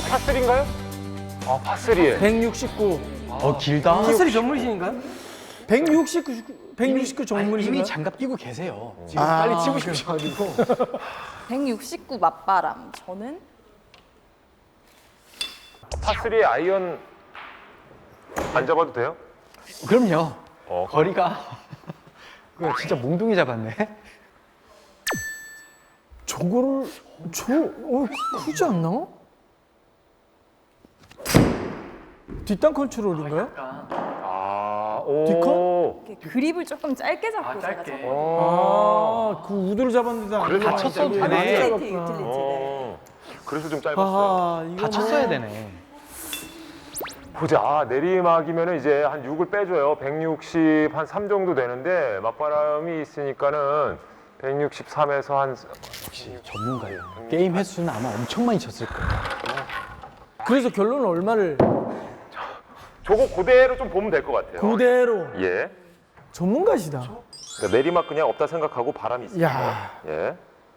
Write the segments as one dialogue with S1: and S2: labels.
S1: 파3인가요? 아, 파3에.
S2: 169.
S3: 길다.
S2: 파스리 전문이신가요? 169 전문이신가요?
S3: 이미 장갑 끼고 계세요. 지금
S2: 아,
S3: 빨리 치고 싶으셔가지고.
S4: 169 맞바람. 저는
S1: 파3에 아이언 안 잡아도 돼요?
S3: 그럼요.
S1: 어,
S3: 거리가 그거 진짜 몽둥이 잡았네.
S2: 저거를 크지 않나? 뒷땅 컨트롤인가요?
S1: 아, 오.
S2: 디컨?
S4: 이렇게 그립을 조금 짧게 잡고 제가
S3: 짧게.
S4: 잡고.
S2: 그 우드를 잡았는데 안
S1: 그래서
S3: 다쳤어도
S2: 잡았는데
S3: 되네.
S2: 안
S4: 유틸리티,
S2: 잡았구나.
S4: 유틸리티. 네.
S1: 그래서 좀 짧았어요.
S2: 아하, 이거
S3: 다 쳤어야 되네.
S1: 보자. 아, 내리막이면 이제 한 6을 빼줘요. 160, 한 3 정도 되는데, 맞바람이 있으니까는 163에서 한.
S3: 역시 전문가예요. 게임 횟수는 아마 엄청 많이 쳤을 거예요.
S2: 그래서 결론은 얼마를
S1: 저거 그대로 좀 보면 될 것 같아요.
S2: 그대로
S1: 예.
S2: 전문가시다.
S1: 그러니까 내리막 그냥 없다 생각하고 바람이 있어요.
S2: 야.
S1: 예.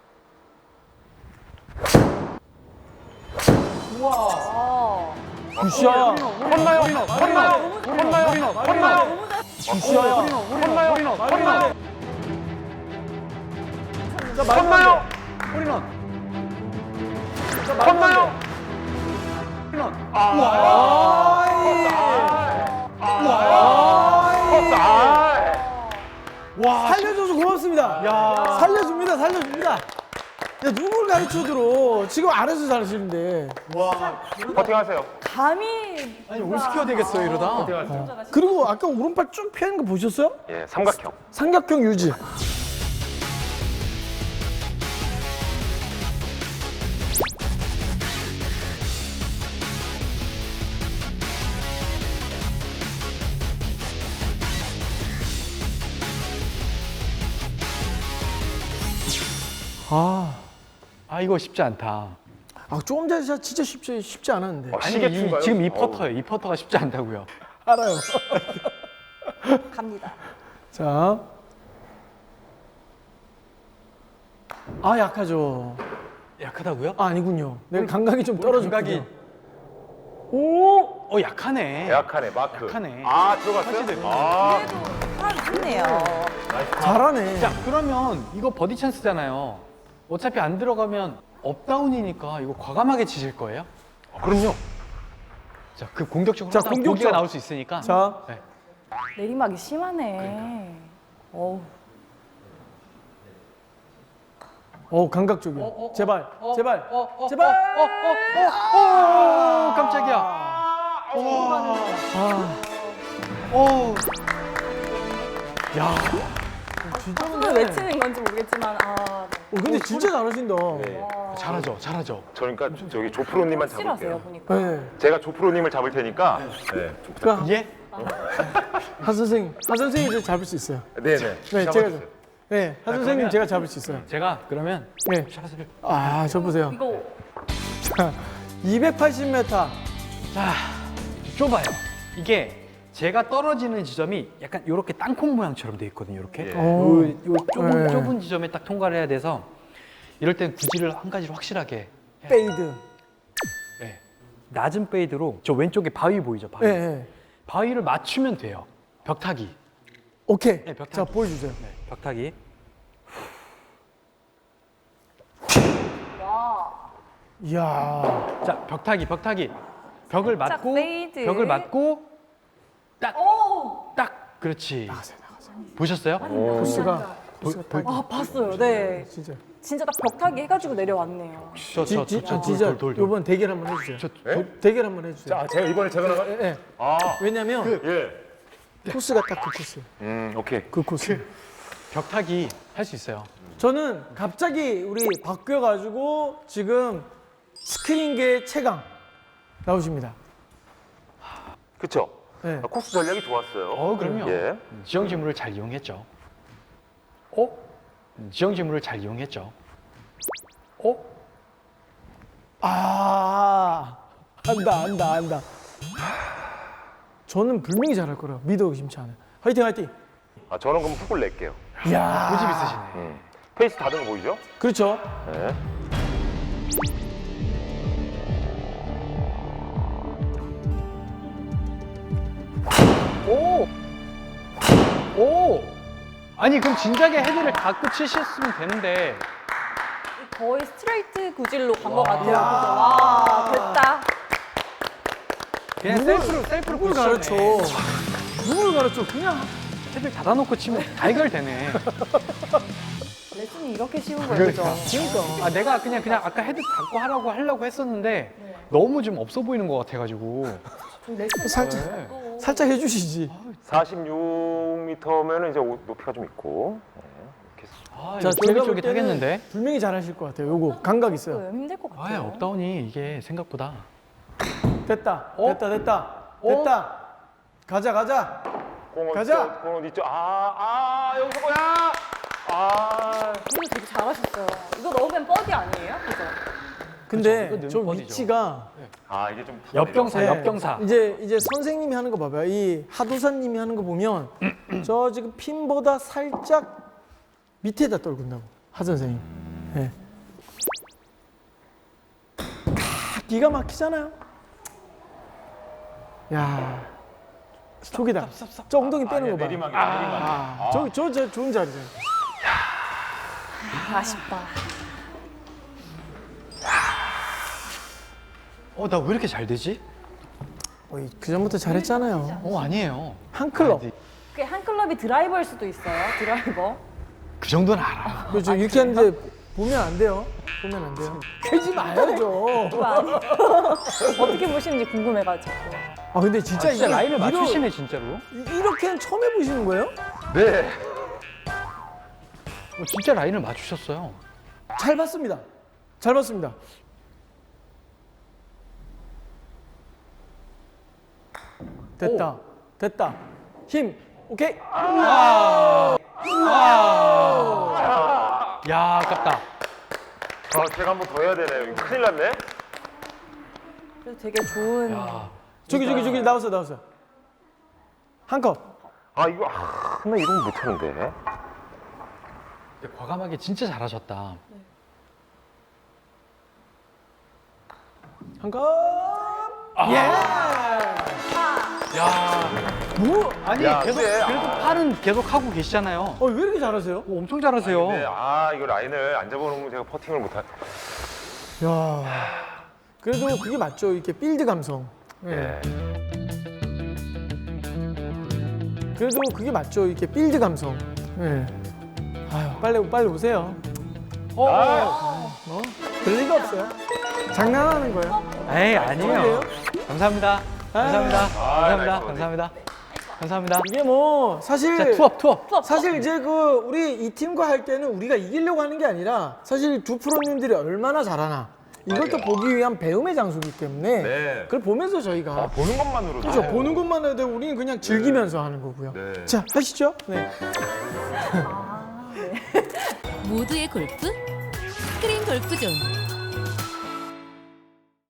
S4: 어.
S2: 굿샷.
S1: 헛나요? 헛나요? 헛나요? 헛나요?
S2: 굿샷.
S1: 헛나요? 헛나요?
S2: 자,
S1: 헛나요?
S3: 홀인원.
S1: 헛나요?
S2: 와, 살려줘서 고맙습니다. 살려줍니다, 살려줍니다. 야, 누굴 가르쳐들어. 지금 알아서 잘하시는데.
S1: 버팅하세요.
S4: 감이
S3: 아니 올 시켜야 되겠어요 이러다.
S2: 그리고 아까 오른팔 쭉 피하는 거 보셨어요?
S1: 예, 삼각형.
S2: 삼각형 유지.
S3: 아 이거 쉽지 않다.
S2: 조금 전에 진짜 쉽지 않았는데.
S1: 시계추인가요?
S3: 지금 이 퍼터예요. 이 퍼터가 쉽지 않다고요.
S2: 알아요.
S4: 갑니다.
S2: 자. 약하죠.
S3: 약하다고요?
S2: 아니군요. 내가 감각이 좀 떨어졌군요.
S3: 감각이- 오, 약하네.
S1: 약하네, 마크.
S3: 약하네.
S1: 아, 들어갔어요? 아,
S4: 그래도 사람 좋네요.
S2: 잘하네.
S3: 자 그러면 이거 버디 찬스잖아요. 어차피 안 들어가면 업다운이니까 이거 과감하게 치실 거예요?
S1: 그럼요.
S3: 자, 그 공격적으로
S2: 자,
S3: 하다가
S2: 공격적.
S3: 보기가 나올 수 있으니까.
S2: 자,
S3: 네.
S4: 내리막이 심하네. 어우.
S2: 감각적이야. 제발, 제발,
S3: 어,
S2: 제발.
S3: 깜짝이야. 오. 야,
S2: 진짜
S4: 손을 왜 치는 건지 모르겠지만
S2: 근데 진짜 잘하신다.
S3: 잘하죠, 잘하죠.
S1: 그러니까 저기 조프로님만
S4: 확실하세요
S1: 잡을게요.
S4: 보니까.
S2: 네.
S1: 제가 조프로님을 잡을 테니까. 네.
S2: 그러니까
S3: 예?
S2: 한 선생님 이제 잡을 수 있어요.
S1: 네네.
S2: 네, 제가
S1: 잡아주세요.
S2: 네, 한 선생님
S3: 그러면-
S2: 제가 잡을 수 있어요.
S3: 제가 그러면
S2: 네.
S3: 샷을
S2: 저 보세요.
S4: 이거
S2: 자, 280m.
S3: 자 좁아요. 이게 제가 떨어지는 지점이 약간 이렇게 땅콩 모양처럼 돼 있거든요. 이렇게.
S1: 예.
S3: 요 좁은
S2: 네.
S3: 좁은 지점에 딱 통과를 해야 돼서 이럴 땐 구질을 한 가지로 확실하게.
S2: 페이드.
S3: 예. 낮은 페이드로 저 왼쪽에 바위 보이죠? 바위.
S2: 네, 네.
S3: 바위를 맞추면 돼요. 벽타기.
S2: 오케이.
S3: 네, 벽타기.
S2: 자, 보여주세요.
S3: 네, 벽타기.
S2: 이야.
S3: 자, 벽타기. 벽을
S4: 살짝
S3: 맞고
S4: 페이드.
S3: 벽을 맞고 딱.
S4: 오!
S3: 딱. 그렇지. 보셨어요?
S2: 코스가
S4: 봤어요. 네.
S2: 진짜.
S4: 진짜 딱 벽타기 해가지고 내려왔네요.
S2: 진짜 이번 대결 한번 해주세요. 대결 한번 해주세요.
S1: 자, 제가 이번에 제가 나가.
S2: 네.
S1: 아,
S2: 왜냐면
S1: 예.
S2: 코스가 딱 그 코스.
S1: 오케이.
S2: 그 코스.
S3: 벽타기 할 수 있어요.
S2: 저는 갑자기 우리 바뀌어가지고 지금 스크린계 최강 나오십니다.
S1: 그쵸?
S2: 네.
S1: 코스 전략이 좋았어요.
S3: 그럼요.
S1: 예.
S3: 지형 지물을 잘 이용했죠. 지형 지물을 잘 이용했죠.
S2: 안다. 저는 분명히 잘할 거라 믿어 의심치 않아요. 화이팅.
S1: 아, 저는 그럼 훅을 낼게요.
S2: 이야.
S3: 고집 있으시네.
S1: 페이스 다른 거 보이죠?
S2: 그렇죠.
S1: 네.
S3: 아니 그럼 진작에 헤드를 닫고 치셨으면 되는데.
S4: 거의 스트레이트 구질로 간 것 같아요. 그죠? 와, 됐다.
S3: 그냥 셀프로
S2: 누굴 가르쳐? 누굴 가르쳐? 그냥
S3: 헤드를 닫아놓고 치면 다 해결되네.
S4: 레슨이 이렇게 쉬운 거예요. 그죠?
S2: 그러니까.
S3: 아 내가 그냥 아까 헤드 닫고 하려고 했었는데 너무 좀 없어 보이는 것 같아가지고.
S4: 레슨
S2: 살짝 해주시지.
S1: 46m면은 이제 높이가 좀 있고. 네, 이렇게
S3: 아
S2: 자,
S3: 이거
S2: 제가 볼
S3: 쫄깃쫄깃하겠는데.
S2: 때는 분명히 잘하실 것 같아요. 요거 감각 있어요.
S4: 힘들 것
S3: 아
S4: 같아요.
S3: 업다운이 이게 생각보다.
S2: 됐다.
S3: 어?
S2: 됐다.
S3: 어?
S2: 됐다. 가자.
S1: 공을
S2: 가자!
S1: 공을 있죠. 여기서 뭐야?
S4: 이거 되게 잘하셨어요. 이거 넣으면 버디 아니에요? 그죠?
S2: 근데
S3: 그쵸, 이거
S2: 저
S3: 능력이죠.
S2: 위치가
S1: 이게 좀
S3: 옆경사,
S2: 네.
S3: 옆경사.
S2: 이제 선생님이 하는 거 봐봐요. 이 하도사님이 하는 거 보면 저 지금 핀보다 살짝 밑에다 떨군다고 하 선생님. 네. 기가 막히잖아요. 야, 저기다. 저 엉덩이 빼는 거 봐.
S1: 내리막이야.
S2: 저 좋은 자리잖아요.
S4: 아쉽다.
S3: 나 왜 이렇게 잘 되지?
S2: 그 전부터 잘했잖아요.
S3: 아니에요.
S2: 한 클럽.
S4: 그게 한 클럽이 드라이버일 수도 있어요. 드라이버.
S3: 그 정도는 알아.
S2: 그렇죠. 이렇게 하는데 보면 안 돼요. 보면 안 돼요. 캐지 마야죠.
S4: 그거 아니에요. 어떻게 보시는지 궁금해가지고.
S2: 근데 진짜
S3: 진짜
S2: 이거
S3: 라인을 맞추시네 진짜로.
S2: 이렇게는 처음 해보시는 거예요?
S1: 네.
S3: 진짜 라인을 맞추셨어요.
S2: 잘 봤습니다. 잘 봤습니다. 됐다. 힘. 오케이.
S3: 야 아깝다.
S1: 제가 한 번 더 해야 되네요. 이거 큰일 났네.
S4: 그래서 되게 좋은.
S3: 야.
S2: 저기 나왔어. 한 컵.
S1: 나 이런 거 못하는데.
S3: 과감하게 진짜 잘하셨다.
S2: 한 컵.
S3: 야.
S2: 뭐?
S3: 아니
S1: 야,
S3: 계속
S1: 근데,
S3: 그래도 팔은 계속 하고 계시잖아요.
S2: 왜 이렇게 잘하세요?
S3: 엄청 잘하세요.
S1: 네, 이거 라인을 안 잡아놓으면 제가 퍼팅을 못하.
S2: 야. 그래도 그게 맞죠. 이렇게 필드 감성. 네. 그래도 그게 맞죠. 이렇게 필드 감성. 네. 빨리 오세요. 별 리가 없어요. 장난하는 거예요.
S3: 에이 아니에요. 감사합니다. 감사합니다.
S1: 나이스
S3: 감사합니다. 감사합니다.
S2: 이게 뭐 사실
S3: 자 투업.
S2: 사실 이제 우리 이 팀과 할 때는 우리가 이기려고 하는 게 아니라 사실 두 프로님들이 얼마나 잘하나 이걸 또 보기 위한 배움의 장소이기 때문에
S1: 네.
S2: 그걸 보면서 저희가
S1: 보는 것만으로도.
S2: 그렇죠. 보는 것만 해도 우리는 그냥 즐기면서 하는 거고요.
S1: 네.
S2: 자, 하시죠. 네.
S5: 모두의 골프 스크린 골프존